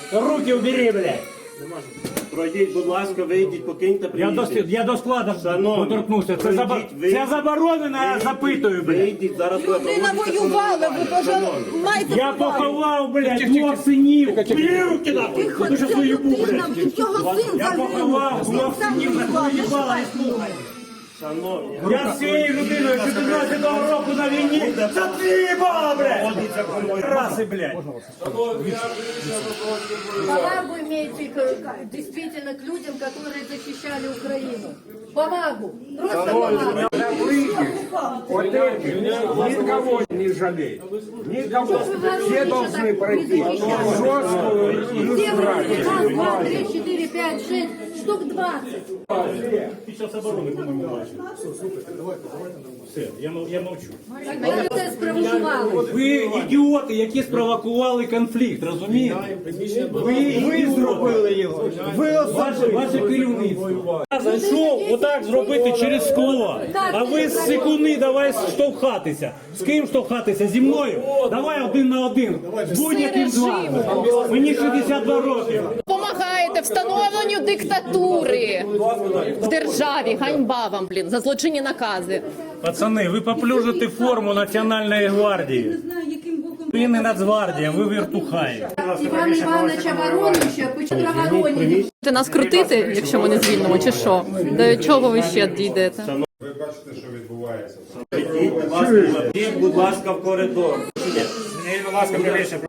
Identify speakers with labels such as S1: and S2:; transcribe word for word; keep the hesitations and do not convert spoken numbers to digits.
S1: Руки убери, блядь.
S2: Пройдіть, будь ласка, вийдіть, покиньте
S1: Я до,
S2: приміщення.
S1: я до складу
S2: Шановні,
S1: доторкнувся. Це,
S2: вийдіть,
S1: заба...
S2: вийдіть.
S1: Це заборонено, я запитую, блядь.
S2: Вийдіть, зараз ви
S3: Людина
S2: проводите
S3: воювала, ви
S2: шановні.
S3: маєте
S1: Я поховав, блядь, двох синів. Руки нахуй.
S3: Тихо,
S1: Ви що
S3: це
S1: свою бу,
S3: людина,
S1: блядь.
S3: його син
S1: Я поховав двох синів, на свою їбала, не слухай.
S2: Шановні,
S1: Я з цією людиною чотирнадцятого року на війні. За твій їбала, блядь. Раси, блядь.
S4: Повагу имейте к- действительно к людям, которые защищали Украину. Повагу. Просто повагу.
S5: Вот эти никого не жалеют. Никого. Все должны пройти жесткую
S4: Все
S5: иллюстрацию.
S4: вы раз, два, три, четыре, пять, шесть, штук двадцать.
S1: Під час оборони, по-моєму, бачив. Все, я, мов- я мовчу.
S4: Ви це спровокували.
S1: Ви ідіоти, які спровокували конфлікт, розумієте? Ви, ви зробили його. Ви ваше, ваше керівництво. Я зайшов отак зробити через скло. А ви з секунди давай штовхатися. З ким штовхатися? Зі мною? Давай один на один. З будь-яким з вами. Мені шістдесят два роки.
S6: Допомагаєте встановленню диктатури в державі. Ганьба вам, блін, за злочинні накази.
S1: Пацани, ви поплюжите форму Національної гвардії. Ви не Нацгвардія, ви віртухаї.
S4: Іван Іванович Воронища, почему Воронища?
S6: Ти нас крутити, якщо ми не звільнимо, чи що? До чого ви ще дійдете?
S7: Ви бачите, що відбувається.
S2: Йдіть, будь ласка, йдіть, будь ласка, в коридор.
S1: Будь ласка,